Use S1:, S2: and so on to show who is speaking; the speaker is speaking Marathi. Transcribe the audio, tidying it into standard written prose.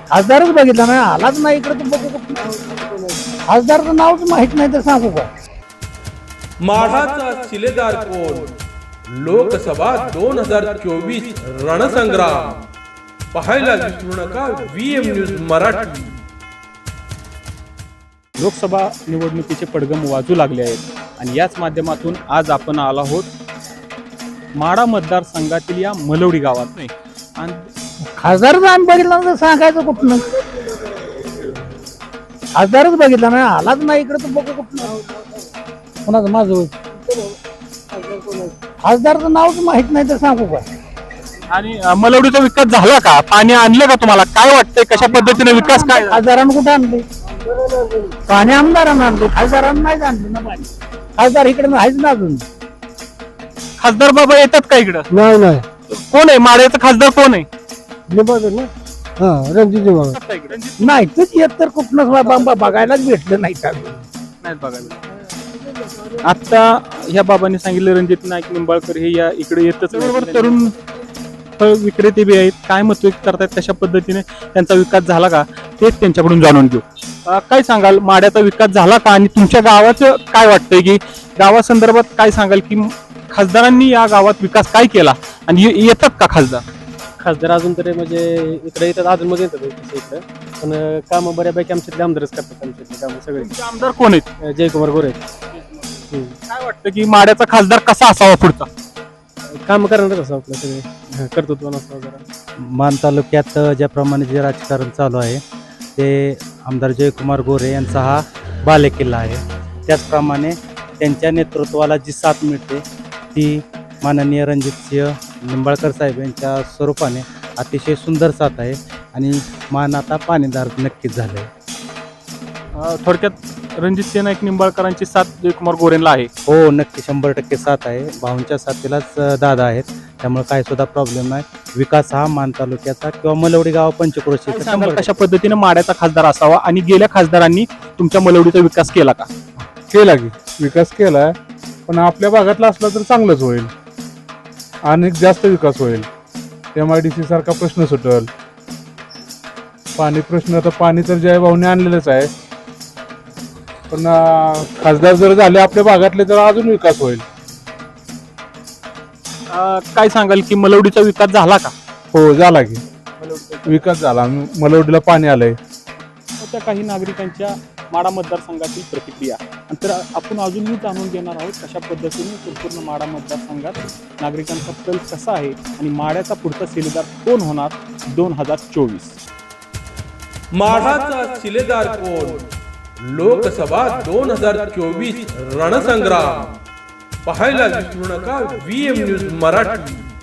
S1: खासदारच बघितला नाही, आलाच नाही इकडे तर बघू कुठं. खासदारचं नावच माहित नाही तर सांगू का?
S2: माढाचा शिलेदार कोण? लोकसभा 2024 रणसंग्राम पाहायला विसरू नका VM न्यूज मराठी.
S3: लोकसभा निवडणुकीचे पडगम वाजू लागले आहेत आणि याच माध्यमातून आज आपण आलो आहोत माढा मतदारसंघातील या मलवडी गावात नाही. आणि
S1: खासदारच आम्ही बघितला तर सांगायचं कुठनं? खासदारच बघितला नाही, आलाच नाही इकडे तर बघू कुठनं? कोणाचं माझं होय. खासदारचं नावच माहित नाही तर सांगू का?
S3: आणि मलवडीचा विकास झाला का? पाणी आणलं का? तुम्हाला काय वाटतंय कशा पद्धतीने विकास काय?
S1: खासदारांना कुठं आणले? पाणी आमदारांना आणले, खासदारांना नाही आणले ना पाणी. खासदार इकडे नाहीच ना अजून.
S3: खासदार बाबा येतात का इकडं?
S1: नाही नाही
S3: कोण आहे माढ्याचा खासदार? कोण आहे?
S1: रणजित नाही तूच येत तर कुठनच बघायलाच भेटलं नाही का?
S3: नाहीत बघायला. आता ह्या बाबांनी सांगितलं रणजित नाईक निंबाळकर हे या इकडे येतच. बरोबर तरुण फळ विक्रेते बी आहेत. काय मत व्यक्त करतायत, कशा पद्धतीने त्यांचा विकास झाला का तेच त्यांच्याकडून जाणून घेऊ. काय सांगाल, माढ्याचा विकास झाला का? आणि तुमच्या गावाचं काय वाटतंय की गावासंदर्भात काय सांगाल की खासदारांनी या गावात विकास काय केला आणि येतात का खासदार?
S4: खासदार अजून तरी म्हणजे इकडे येतात, अजून मध्ये येतात इकडं, पण कामं बऱ्यापैकी आमच्यातले आमदारच करतात. आमच्यातले कामं सगळे.
S3: तुमचे आमदार कोण आहेत?
S4: जयकुमार गोरे
S3: काय वाटतं की माढ्याचा खासदार कसा असावा पुढचा?
S4: काम करणारच असं आपलं सगळे कर्तृत्व नसतं जरा.
S5: मान तालुक्यात ज्याप्रमाणे जे राजकारण चालू आहे ते आमदार जयकुमार गोरे यांचा हा बालेकिल्ला आहे. त्याचप्रमाणे त्यांच्या नेतृत्वाला जी साथ मिळते ती माननीय रणजितसिंह निंबाळकर साहेब यांच्या स्वरूपाने अतिशय सुंदर साथ आहे आणि मान आता पाणीदार नक्कीच झाले.
S3: थोडक्यात रणजित नाईक निंबाळकरांची साथ जयकुमार गोरेंना आहे.
S5: हो, नक्की 100% साथ आहे. भाऊंच्या साथीलाच दादा आहेत, त्यामुळे काय सुद्धा प्रॉब्लेम नाही. विकास हा मान तालुक्याचा किंवा मलवडी गाव पंचक्रोशीचा
S3: सांगाल कशा पद्धतीने माढ्याचा खासदार असावा आणि गेल्या खासदारांनी तुमच्या मलवडीचा विकास केला का?
S6: केला की विकास केलाय, पण आपल्या भागातला असला तर चांगलंच होईल, अनेक जास्त विकास होईल. MIDC सारखा प्रश्न सुटल. पाणी प्रश्न तर पाणी तर जय भाऊने आणलेलंच आहे, पण खासदार जर झाले आपल्या भागातले तर अजून विकास होईल.
S3: काय सांगाल की मलवडीचा विकास झाला का?
S6: हो, झाला की विकास झाला. मलवडीला पाणी आलंय.
S3: त्या काही नागरिकांच्या माढा मतदारसंघातील प्रतिक्रिया नंतर आपण अजूनही जाणून घेणार आहोत कशा पद्धतीने संपूर्ण माढा मतदारसंघात नागरिकांचा कल कसा आहे आणि माढ्याचा पुढचा शिलेदार कोण होणार 2024.
S2: माढाचा शिलेदार कोण? लोकसभा 2024 रणसंग्राम पाहायला विसरू नका VM न्यूज मराठी.